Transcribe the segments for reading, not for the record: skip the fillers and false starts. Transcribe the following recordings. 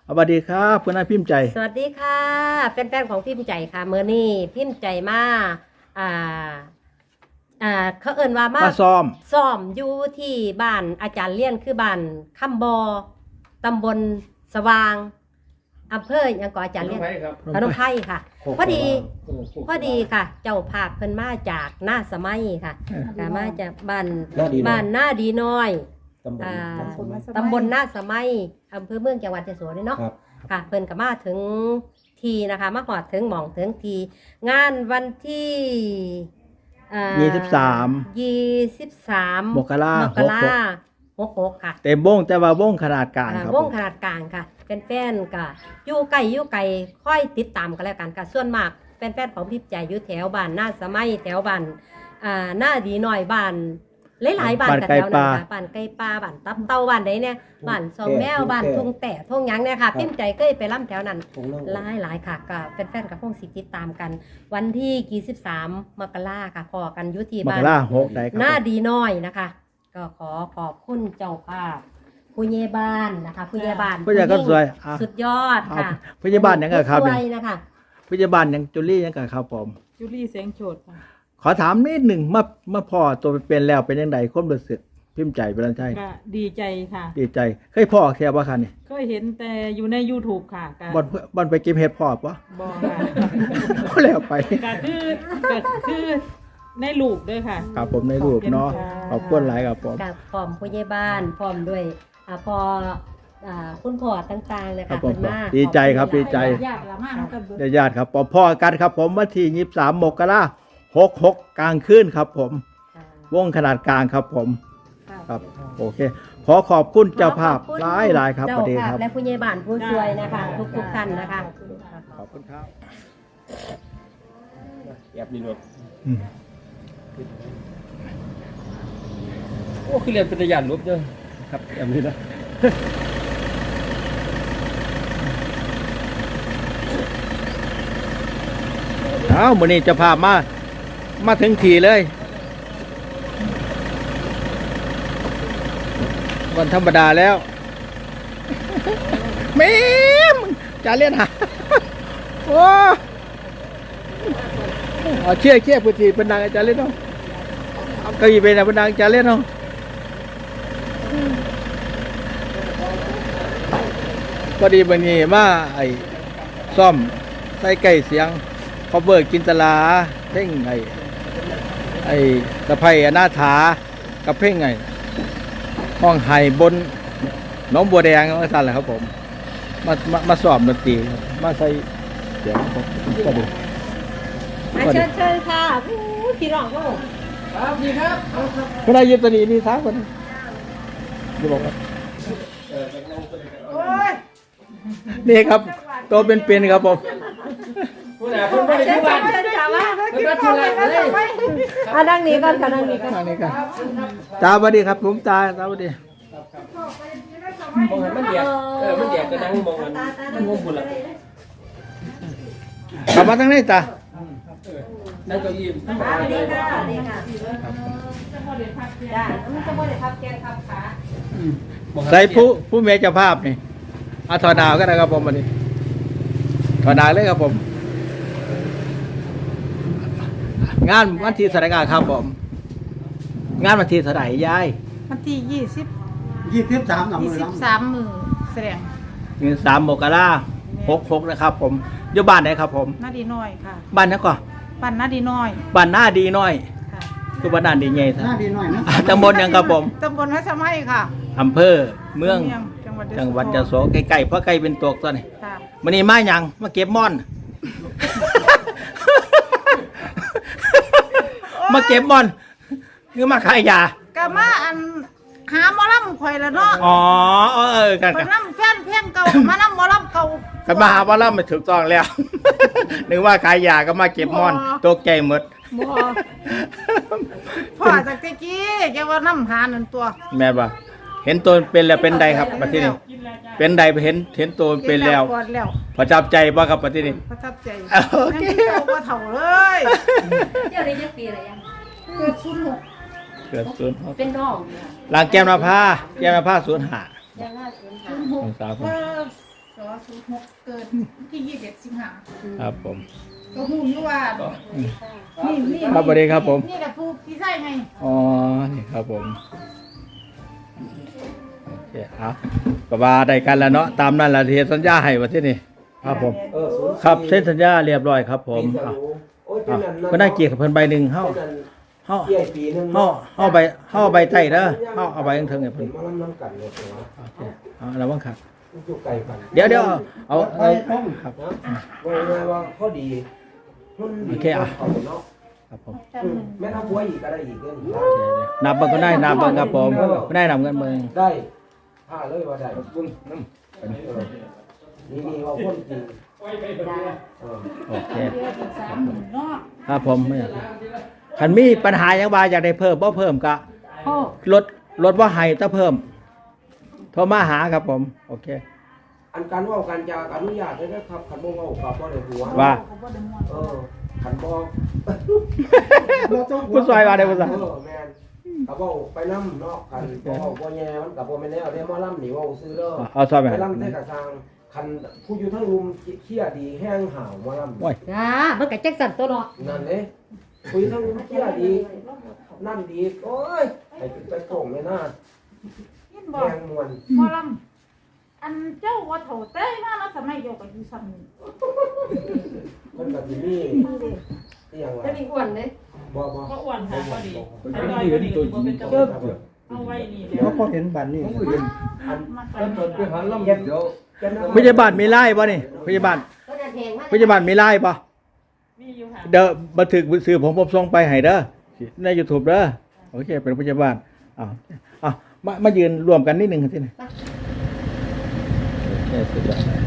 สวัสดีครับคุณนายพิมพ์ใจสวัสดีค่ะแฟนๆของพิมพ์ใจค่ะเมื่อนี้พิมพ์ใจมาอ่าเขาเอิ้นว่ามาซ้อมอยู่ที่บ้านอาจารย์เลี้ยนคือบ้านคำบอตำบลสว่างอำเภอหยังก่ออาจารย์เลี้ยนพนมไพรค่ะพอดีค่ะ เจ้าภาพเพิ่นมาจากหน้าสมัยค่ะมาจากบ้านหน้าดีน้อยตำบลหน้าสมัยอำเภอเมืองจังหวัดยโสธรเนาะค่ะเพิ่นก็มาถึงทีนะคะมาหอดถึงหม่องถึงทีงานวันที่23 มกรา 66ค่ะเต็มวงแต่ว่าวงขนาดกลางครับวงขนาดกลางค่ะแฟนๆก็อยู่ไกลค่อยติดตามกันแล้วกันค่ะส่วนมากแฟนๆของพิมพ์ใจอยู่แถวบ้านหน้าสมัยแถวบ้านหน้าดีหน่อยบ้านหลายๆบ้านกับแถวนั้นค่ะบ้านไก่ปลาบ้านตับเต่าบ้านไหนเนี่ยบ้านซอมแมวบ้านทุ่งแต่ทุ่งหยังเนี่ยค่ะพิมพ์ใจเคยไปล่ำแถวนั้นหลายค่ะก็แฟนๆกับพวกสิติดตามกันวันที่23มกราค่ะพอกันอยู่ที่บ้านหน้าดีน้อยนะคะก็ขอขอบคุณเจ้าภาพผู้ใหญ่บ้านนะคะผู้ใหญ่บ้านผู้ใหญ่ก็สวยสุดยอดค่ะผู้ใหญ่บ้านยังไงครับสวยนะคะผู้ใหญ่บ้านยังจุลี่ยังไงครับผมจุลี่แสงโฉดค่ะขอถามนิดหนึ่งเมื่อพ่อตัวเป็นแล้วเป็นยังไงความรู้สึกพิมพ์ใจเป็นไรใช่ก็ดีใจค่ะดีใจเคยพ่อแค่ว่าคันนี่ก็เห็นแต่อยู่ใน YouTube ค่ะบอลไปกินเห็ดพ่อปะบ่ค่ะก็แล้วไปก็คือในรูปด้วยค่ะครับผมในรูปเนาะขอบคุณหลายครับผมกับพร้อมผู้ใหญ่บ้านพร้อมด้วยพอคุณพ่อต่างๆนะคะเป็นมากดีใจครับดีใจญาติละมากกันญาติครับพ่อกันครับผมวันที่23มกราคม66กลางคืนครับผมวงขนาดกลางครับผมครับโอเคขอบคุณเจ้าภาพหลายครับสวัสดีครับและผู้ใหญ่บ้านผู้ช่วยนะคะทุกท่านนะคะขอบคุณครับแอบมีรถโอ้คือเรียนเป็นยานลบเด้อครับแอบมีนะมื้อนี้จะพามาถึงทีเลยวันธรรมดาแล้วแม่จะเล่นหาโอ้เชี่ยพุทธีเป็นนางจะเล่นเนาะเอาเก้าอี้เป็นนางจะเล่นเนาะพอดีวันนี้มาซ่อมใส่ไก่เสียงเขาเบิกกินตลาเพ่งสะไพอนาถากับเพ่งห้องไห่บนน้องบัวแดงสั่นแหละครับผมมาสอบดนตรีมาใส่เสียงผมก็ดูเชิญค่ะพี่น้องก็ครับดีครับคุณนายยืนตัวนี้นี่ท้าคนจะบอกว่านี่ครับตัวเป็นครับผมคุณไม่ได้ทุกวันเชิญค่ะว่าคุณไม่ทุกวันเลยนั่งนี้ก่อนค่ะนั่งนี้ก่อนตาสวัสดีครับผมตาสวัสดีมองเห็นมันเดียดมันเดียดก็นั่งมองมันงงบุญละกลับมาตั้งไหนตานั่งเก้าอี้ดีค่ะจ้ามันจะบ่ได้พับแกนพับขาใส่ผู้เมย์เจ้าภาพนี่ถอดดาวก็ได้ครับผมวันนี้ถอดดาวเลยครับผมงานวันที่แสดงครับผมงานวันที่เท่าไหร่ยายวันที่ 23 มือแสดง 23มกราคม66นะครับผมอยู่บ้านไหนครับผมหน้าดีน้อยค่ะบ้านนั้นก่อนบ้านหน้าดีน้อยบ้านหน้าดีน้อยค่ะคือบ้านหน้าดีใหญ่หน้าดีน้อยนะตำบลยังครับผมตำบลวัดสมัยค่ะอำเภอเมืองจังหวัดยโสใกล้ๆเพราะใกล้เป็นตัวตัวนี่วันนี้มาอย่างมาเก็บม่อนมาเก็บม่อนหรือมาขายยาก็มาหาหมอลำข่อยแล้วเนาะกันลำแฟนเพลงเก่ามาลำหมอลำเก่ากันมาหาหมอลำไม่ถูกต้องแล้วนึกว่าขายยาก็มาเก็บม่อนตัวแก่หมดพ่อจากกี้แกว่าน้ำหาหนึ่งตัวแม่บ่เห็นตัวเป็นแล้วเป็นใดครับปัจจุบันเป็นใดเห็นตัวเป็นแล้วประทับใจบ่ครับปัจจุบันประทับใจโอเคก็เถ่าเลยเจ้าได้ยักปีอะไรยังเกิด 06 เป็นน้องหลังแก้มนภา05 ยัง505 สอน 06เกิดที่21สิงหาครับผมก็ฮู้อยู่ว่านี่ครับสวัสดีครับผมนี่แหละผู้พี่ใช่ไงอ๋อนี่ครับผมโอเคเอาก็ว่าได้กันแล้วเนาะตามนั้นละที่สัญญาให้ว่าที่นี่ครับผม ครับเซ็นสัญญาเรียบร้อยครับผมเอาก็ได้เกียรติกับเพิ่นใบหนึ่งเฮาเฮาเกี่ยปีนึงเฮาเฮาใบใต้เด้อเฮาเอาใบเทิงๆให้เพิ่นมาลำน้ำกันเลยนะโอเคเอาระวังครับอยู่ไกลกันเดี๋ยวเอาครับว่าข้อดีโอเคอ่ะเนาะครับผมแม่ทัพบัวอีกก็ได้อีกเด้อโอเคเลยนับเบิ่งก็ได้นับเบิ่งครับผมก็ได้นำเงินเบิ่งได้ถ้าเลยว่าได้บุญน้ำนี่ว่าคนจริงโอเค 30,000เนาะครับผมไม่อยากคันมีปัญหาหยังว่าอยากได้เพิ่มบ่เพิ่มก็โอ้ลดว่าให้ถ้าเพิ่มโทรมาหาครับผมโอเคอันการว่าการจะอนุญาตได้ครับขันบ่เว้ากับบ่ได้หัวว่าขันบ่ผู้ซอยว่าได้ผู้ซอยแม่นกับเว้าไปนำเนาะกันบ่เว้าบ่แย่มันก็บ่แม่นแนวเด้มาล่ำนี่เว้าซื้อเด้อเอาซอยไปไปให้ล่ำได้กระทางคันผู้อยู่ทั้งรุมเครียดดีแห้งห่าวมาล่ำโอ้ยจ้ามันก็จักสั่นตัวเนาะนั่นเด้ผู้อยู่ทั้งรุมเครียดดีนั่นดีโอ้ยไปโป่งเลยนะยินบ่แห้งมวนหมอลำอันเจ้าว่าโถเต้ยมาแล้วสมัยเดียวกับอยู่ซ้ำนี่มันก็สิมีที่ยังว่าจะมีอ้วนเด้บ่ก็อ้วนค่ะก็ดีอร่อยก็ดีบ่เป็นเจ้าเอาไว้นี่เดี๋ยวพอเห็นบัตรนี่อันมาแล้วตอนไปหาล่ำเดี๋ยวพยาบาลมีไล่ป่ะนี่พยาบาลก็จะแพงมากพยาบาลมีไล่ป่ะมีอยู่ค่ะเดี๋ยวบันทึกสื่อผมส่งไปให้เด้อใน YouTube เด้อโอเคเป็นพยาบาลอ้าวมายืนรวมกันนิดนึงสิเนี่ยโอเคสุดยอดเลย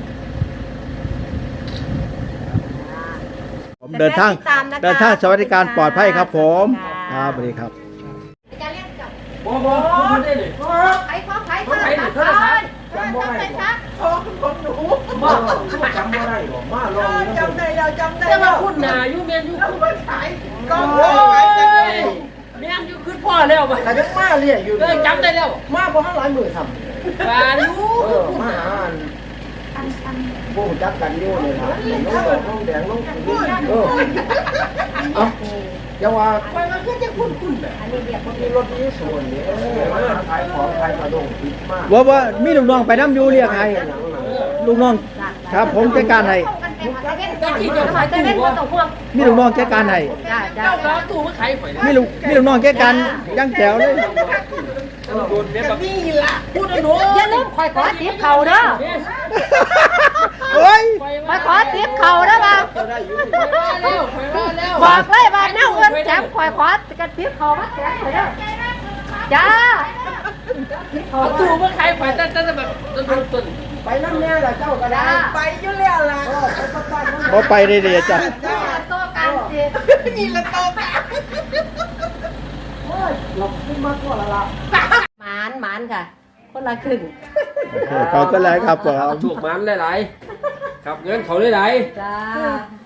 ผมเดินทางสวัสดิการปลอดภัยครับผมครับสวัสดีครับจะเรียกกับบ่ได้เลยใครขอใครบ่ได้โทรศัพท์จำบ่ได้บ่จำบ่ได้บ่มาลองจำได้แล้วจำได้แต่แล้ว่าว คุณน่ะอยู่แม่นอยู่คุณก็แม่นอยู่คือพ่อแล้วบ่แต่ยังมาเรียกอยู่จำได้แล้วมาบ่ทันหลายมื้อทำว่าอยู่มาหาอันบ่รู้จักกันอยู่นี่ล่ะน้องแดงน้องอย่าว่าไปมันก็จะคุ้นๆแหละอันนี้เรียกมีรถนี้ส่วนนี้มาขายของขายกระดงผิดมากว่ามีลูกน้องไปน้ำอยู่เรียกให้ลูกน้องครับผมจัดการให้ตะกี้จะขายตู้บ่ต้องห่วงมีลูกน้องจัดการให้จ้าเจ้าก็ตู้มาขายข่อยมีลูกน้องจัดการยังแจ๋วเลยโดนเนี่ยแบบนี่ล่ะพูดหนูอย่าลืมคอยขอติปเขาเด้อโอ้ยคอยขอติปเขาเด้อบ่าแล้วบอกเลยว่าแนวเงินแถมคอยขอกระติปเขามาแถมเด้อจ้าเอาตู้มาขายข่อยแต่แบบต้นไปนั่นแน่ล่ะเจ้าก็ได้ไปอยู่แล้วล่ะบ่ไปได้เดีจ้ะโตกันสินี่ละโตกันเราขึ้นมากกว่าละหมานค่ะ คนละครึ่งโอเคขอบคุณหลายครับผมถูกมันหลายๆครับเงินเขาหลายจ้า